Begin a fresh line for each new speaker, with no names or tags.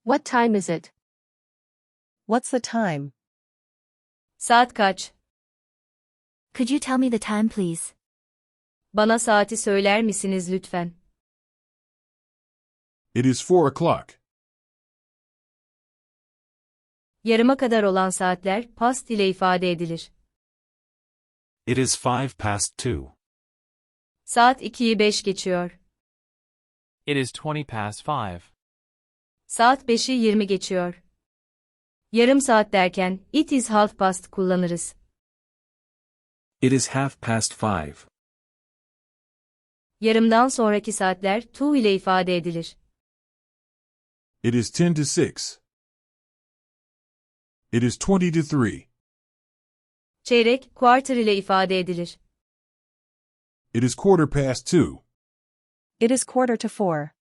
What time is it?
What's the time?
Saat kaç?
Could you tell me the time, please?
Bana saati söyler misiniz lütfen?
It is 4 o'clock.
Yarıma kadar olan saatler past ile ifade edilir.
It is 2:05.
Saat 2'yi 5 geçiyor.
It is 5:20.
Saat 5'i 20 geçiyor. Yarım saat derken it is half past kullanırız.
It is 5:30.
Yarımdan sonraki saatler to ile ifade edilir.
It is 10 to 6. It is 20 to 3.
Çeyrek quarter ile ifade edilir.
It is 2:15.
It is 3:45.